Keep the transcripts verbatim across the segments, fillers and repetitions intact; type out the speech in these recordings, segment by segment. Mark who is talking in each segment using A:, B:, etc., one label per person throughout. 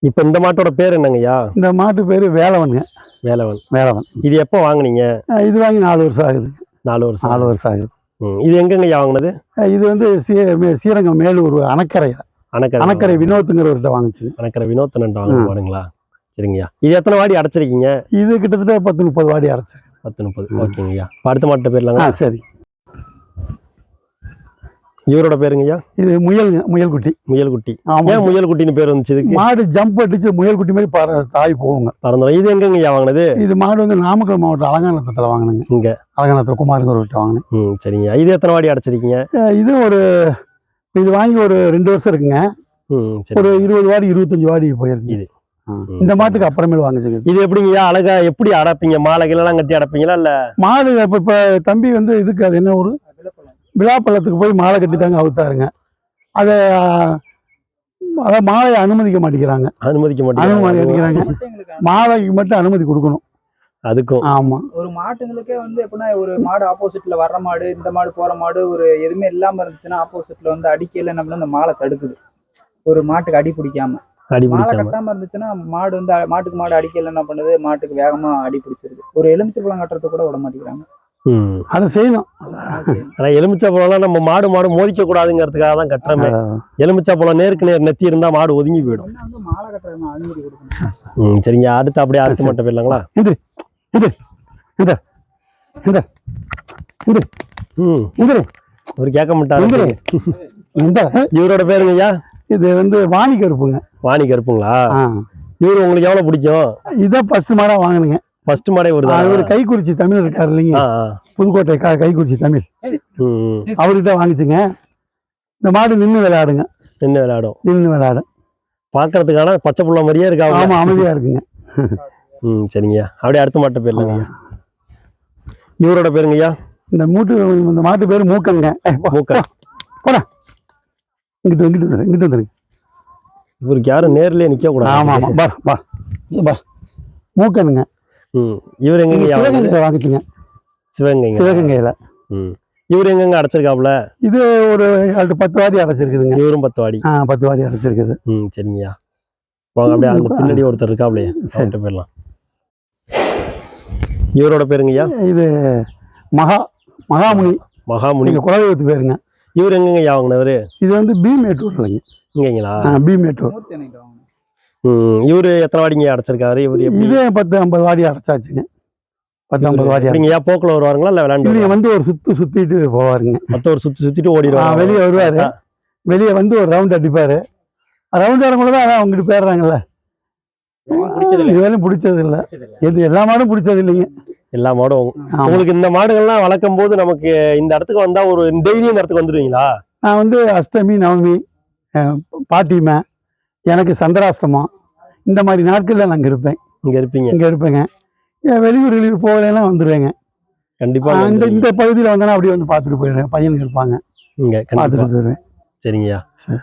A: இப்போ இந்த மாட்டோட பேர் என்னங்கய்யா?
B: இந்த மாட்டு பேர் வேலவனுங்க.
A: வேலவன்.
B: வேலவன்.
A: இது எப்போ வாங்குனீங்க?
B: இது வாங்கி நாலு வருஷம் ஆகுது.
A: நாலு வருஷம்
B: நாலு வருஷம் ஆகுது.
A: இது எங்கங்கய்யா வாங்கினது?
B: இது வந்து ஸ்ரீரங்கம் மேலூர் அணக்கரை
A: அணக்கரை
B: அணக்கரை வினோத்துங்கிறவர்கிட்ட வாங்குச்சு.
A: அணக்கரை வினோத்தன் வாங்குவானுங்களா? சரிங்கய்யா. இது எத்தனை வாடி அடைச்சிருக்கீங்க? இது
B: கிட்டத்தட்ட பத்து முப்பது வாடி அடைச்சிருக்கு.
A: பத்து முப்பது. ஓகேங்கய்யா. அடுத்த மாட்டு பேர்லாங்க?
B: சரி.
A: இவரோட பேருங்கய்யா?
B: இது முயல்ங்க. முயல்குட்டி.
A: முயல்குட்டி. ஏன் முயல்குட்டின்னு பேர் வந்துச்சு இதுக்கு?
B: மாடு ஜம்ப் அடிச்சு முயல்குட்டி மாதிரி தாய் போகுங்க.
A: பறந்துடும். இது எங்கங்கய்யா வாங்கினது?
B: இது மாடு வந்து நாமக்கல் மாவட்டம் அலங்காநத்தத்தில் வாங்கினுங்க.
A: இங்க
B: அலங்காநத்தத்தில் குமாருங்கிறவர்கிட்ட வாங்கினேன்.
A: ம் சரிங்கய்யா. இது எத்தனை வாடி அடைச்சிருக்கீங்க?
B: இது ஒரு இது வாங்கி ஒரு ரெண்டு வருஷம் இருக்குங்க. ஒரு இருபது வாடி இருபத்தஞ்சு வாடி போயிருக்கு. இது இந்த மாட்டுக்கு அப்புறமேல வாங்கிச்சுங்க.
A: இது எப்படிங்கய்யா அழகா எப்படி அடைப்பீங்க? மாலைகள்லாம் கட்டி அடைப்பீங்களா? இல்ல
B: மாடு இப்ப இப்ப தம்பி வந்து இதுக்கு அது என்ன ஒரு விழாப்பள்ளத்துக்கு போய் மாலை கட்டி தாங்க அவுத்தாருங்க. அதை அதான் மாலையை அனுமதிக்க மாட்டேங்கிறாங்க.
A: அனுமதிக்க
B: மாட்டேங்கிறாங்க. மாலைக்கு மட்டும் அனுமதி கொடுக்கணும்.
A: அதுக்கும்
B: ஆமா.
C: ஒரு மாட்டுங்களுக்கே வந்து எப்படின்னா ஒரு மாடு ஆப்போசிட்ல வர்ற மாடு இந்த மாடு போற மாடு ஒரு எதுவுமே இல்லாம இருந்துச்சுன்னா ஆப்போசிட்ல வந்து அடிக்கையில நம்ம இந்த மாலை தடுக்குது. ஒரு மாட்டுக்கு அடி பிடிக்காம மாலை கட்டாம இருந்துச்சுன்னா மாடு வந்து மாட்டுக்கு மாடு அடிக்கையில என்ன பண்ணுது, மாட்டுக்கு வேகமா அடி பிடிச்சிருது. ஒரு எலுமிச்சை பழம் கட்டுறது கூட விட மாட்டேங்கிறாங்க.
B: அதை செய்யணும்.
A: ஆனா எலுமிச்சை பழம்லாம் நம்ம மாடு மாடு மோதிக்க கூடாதுங்கிறதுக்காக தான் கட்டுறமே. எலுமிச்சை பழம் நேருக்கு நேர் நெத்தி இருந்தா மாடு ஒதுங்கி போயிடும்.
C: மாலை கட்டுறது அனுமதி கொடுக்கணும்.
A: ம் சரிங்க. அடுத்து அப்படியே அடுத்து மட்டும் போயிடலாங்களா? இவர் கேட்க மாட்டாரு. இவரோட பேருங்கய்யா?
B: இது வந்து வாணி கருப்புங்க.
A: வாணி கருப்புங்களா? இவரு உங்களுக்கு எவ்வளவு பிடிக்கும்?
B: இதான் ஃபர்ஸ்ட் மாடா வாங்கினுங்க.
A: ஃபர்ஸ்ட் மாடே வருதா?
B: அவர் கைக்குறிச்சி தமிழ் இருக்காரு இல்லைங்க, புதுக்கோட்டை கைக்குறிச்சி தமிழ், அவர்கிட்ட வாங்கிச்சுங்க. இந்த மாடு நின்று விளையாடுங்க.
A: நின்று விளையாடும்.
B: நின்று விளையாடும்.
A: பாக்குறதுக்கான பச்சை புள்ள மாதிரியே இருக்கா?
B: ஆமா, அமைதியா இருக்குங்க.
A: ம் சரிங்கய்யா. அப்படியே அடுத்த மாட்டு பேர்லங்கய்யா? இவரோட பேருங்கய்யா? இந்த
B: மூட்டு இந்த மாட்டு பேரு மூக்கங்க.
A: மூக்கன்.
B: போடா இங்கிட்டு இங்கிட்டு வந்துரு இங்கிட்டு வந்துருங்க.
A: இவருக்கு யாரும் நேர்லயே நிக்க கூடாது.
B: ஆமா ஆமா. பா பா பா மூக்கனுங்க.
A: ம் இவர் எங்க
B: சிவகங்கையில வாங்கிச்சுங்க.
A: சிவகங்கை.
B: சிவகங்கையில.
A: ம் இவர் எங்கங்க அடைச்சிருக்காப்ல? இது
B: ஒரு பத்து வாடி அடைச்சிருக்குதுங்க.
A: இவரும் பத்து வாடி.
B: ஆ பத்து வாடி அடைச்சிருக்குது.
A: ம் சரிங்கய்யா. வாங்க அப்படியே அந்த பின்னாடி ஒருத்தர் இருக்காப்லையே அவர்கிட்ட போயிடலாம். இவரோட பேருங்கய்யா?
B: இது மகா மகாமுனி.
A: மகாமுனி
B: குலதெய்வத்து பேருங்க.
A: இவர் எங்கங்கய்யா வாங்கினவரு?
B: இது வந்து பி மேட்டூர் இல்லைங்க.
A: இங்கங்களா?
B: பி மேட்டூர்.
A: ம் இவரு எத்தனை வாடிங்க அடைச்சிருக்காரு? இவரு
B: இது பத்து ஐம்பது வாடி அடைச்சாச்சுங்க. பத்து ஐம்பது வாடி.
A: நீங்க போக்குல வருவாருங்களா இல்ல விளையாண்டு?
B: இவங்க வந்து ஒரு சுத்து சுத்திட்டு போவாருங்க.
A: மொத்த ஒரு சுத்தி சுத்திட்டு ஓடிடுவாரு.
B: வெளியே வருவாரு. வெளியே வந்து ஒரு ரவுண்ட் அடிப்பாரு. ரவுண்ட் வரும்போதுதான் அதான் அவங்ககிட்ட போயிடுறாங்கல்ல. இதுவரையும் பிடிச்சது இல்லை. எது எல்லா மாடும் பிடிச்சது இல்லைங்க.
A: எல்லா மாடும் உங்களுக்கு இந்த மாடுகள்லாம் வளர்க்கும் போது நமக்கு இந்த இடத்துக்கு வந்தா ஒரு டெய்லி இந்த இடத்துக்கு வந்துடுவீங்களா?
B: நான் வந்து அஷ்டமி நவமி பாட்டிமை எனக்கு சந்திராஷ்டமம் இந்த மாதிரி நாட்கள்ல நான் இருப்பேன்.
A: இங்க இருப்பீங்க? இங்க
B: இருப்பேங்க. வெளியூர் வெளியூர் போகலாம் வந்துடுவேங்க.
A: கண்டிப்பா.
B: இந்த இந்த பகுதியில் வந்தேன்னா அப்படியே வந்து பார்த்துட்டு போயிடுவேன். பையனுக்கு இருப்பாங்க,
A: இங்க பார்த்துட்டு போயிடுவேன். சரிங்கய்யா.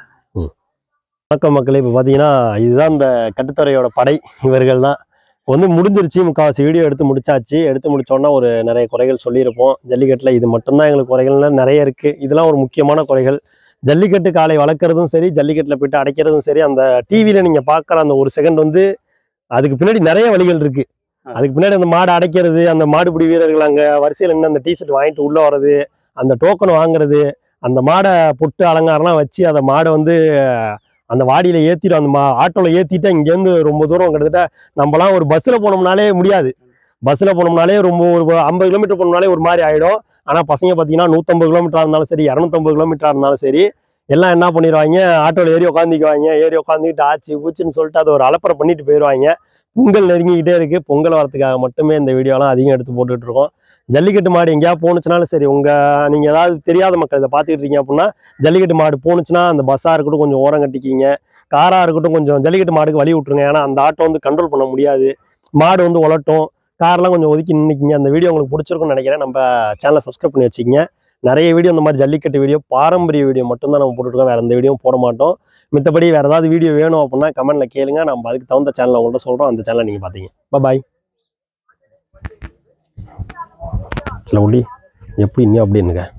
A: வணக்கம் மக்களே. இப்போ பார்த்தீங்கன்னா இதுதான் இந்த கட்டுத்தரையோட படை. இவர்கள் தான் வந்து முடிஞ்சிருச்சு. முக்கால்வாசி வீடியோ எடுத்து முடிச்சாச்சு. எடுத்து முடிச்சோன்னா ஒரு நிறைய குறைகள் சொல்லியிருப்போம். ஜல்லிக்கட்டில் இது மட்டும்தான் எங்களுக்கு குறைகள்லாம் நிறைய இருக்குது. இதெல்லாம் ஒரு முக்கியமான குறைகள். ஜல்லிக்கட்டு காலை வளர்க்குறதும் சரி, ஜல்லிக்கட்டில் போய்ட்டு அடைக்கிறதும் சரி, அந்த டிவியில் நீங்கள் பார்க்குற அந்த ஒரு செகண்ட் வந்து அதுக்கு பின்னாடி நிறைய வழிகள் இருக்குது. அதுக்கு பின்னாடி அந்த மாடு அடைக்கிறது, அந்த மாடுபிடி வீரர்கள் அங்கே வரிசையில் நின்று அந்த டிஷர்ட் வாங்கிட்டு உள்ளே வர்றது, அந்த டோக்கன் வாங்குறது, அந்த மாடை பொட்டு அலங்காரம்லாம் வச்சு அந்த மாடை வந்து அந்த வாடியில் ஏற்றிடும். அந்த மா ஆட்டோவில் ஏற்றிட்டு இங்கேருந்து ரொம்ப தூரம் கிட்டத்தட்ட நம்மலாம் ஒரு பஸ்ஸில் போனோம்னாலே முடியாது. பஸ்ஸில் போனோம்னாலே ரொம்ப ஒரு ஐம்பது கிலோமீட்டர் போனோம்னாலே ஒரு மாதிரி ஆகிடும். ஆனால் பசங்க பார்த்தீங்கன்னா நூற்றம்பது கிலோமீட்டராக இருந்தாலும் சரி, இரநூத்தம்பது கிலோமீட்டராக இருந்தாலும் சரி, எல்லாம் என்ன பண்ணிடுவாங்க, ஆட்டோவில் ஏறி உட்காந்துக்குவாங்க. ஏறி உட்காந்துக்கிட்டு ஆச்சு பூச்சின்னு சொல்லிட்டு அதை ஒரு அலப்பறை பண்ணிட்டு போயிடுவாங்க. பொங்கல் நெருங்கிக்கிட்டே இருக்குது. பொங்கல் வரத்துக்காக மட்டுமே இந்த வீடியோலாம் அதிகம் எடுத்து போட்டுக்கிட்டு இருக்கோம். ஜல்லிக்கட்டு மாடு எங்கேயா போணுச்சுனாலும் சரி, உங்கள் நீங்கள் ஏதாவது தெரியாத மக்கள் இதை பார்த்துக்கிட்டு இருக்கீங்க அப்படின்னா, ஜல்லிக்கட்டு மாடு போணுச்சுன்னா அந்த பஸ்ஸாக இருக்கட்டும் கொஞ்சம் ஓரம் கட்டிக்கிங்க, காராக இருக்கட்டும் கொஞ்சம் ஜல்லிக்கட்டு மாடுக்கு வழி விட்டுருங்க. ஏன்னா அந்த ஆட்டோ வந்து கண்ட்ரோல் பண்ண முடியாது. மாடு வந்து உலட்டும். கார்லாம் கொஞ்சம் ஒதுக்கி நின்றுக்கிங்க. அந்த வீடியோ உங்களுக்கு பிடிச்சிருக்குன்னு நினைக்கிறேன். நம்ம சேனலை சப்ஸ்கிரைப் பண்ணி வச்சுக்கிங்க. நிறைய வீடியோ இந்த மாதிரி ஜல்லிக்கட்டு வீடியோ, பாரம்பரிய வீடியோ மட்டும்தான் நம்ம போட்டுருக்கோம். வேறு எந்த வீடியோவும் போட மாட்டோம். மித்தபடி வேறு ஏதாவது வீடியோ வேணும் அப்படின்னா கமெண்ட்டில் கேளுங்க. நம்ம அதுக்கு தகுந்த சேனலை உங்கள்கிட்ட சொல்கிறோம். அந்த சேனலை நீங்கள் பார்த்தீங்க. பாய். இல்லை ஒளி எப்படி இன்னும் அப்படி இருந்துங்க.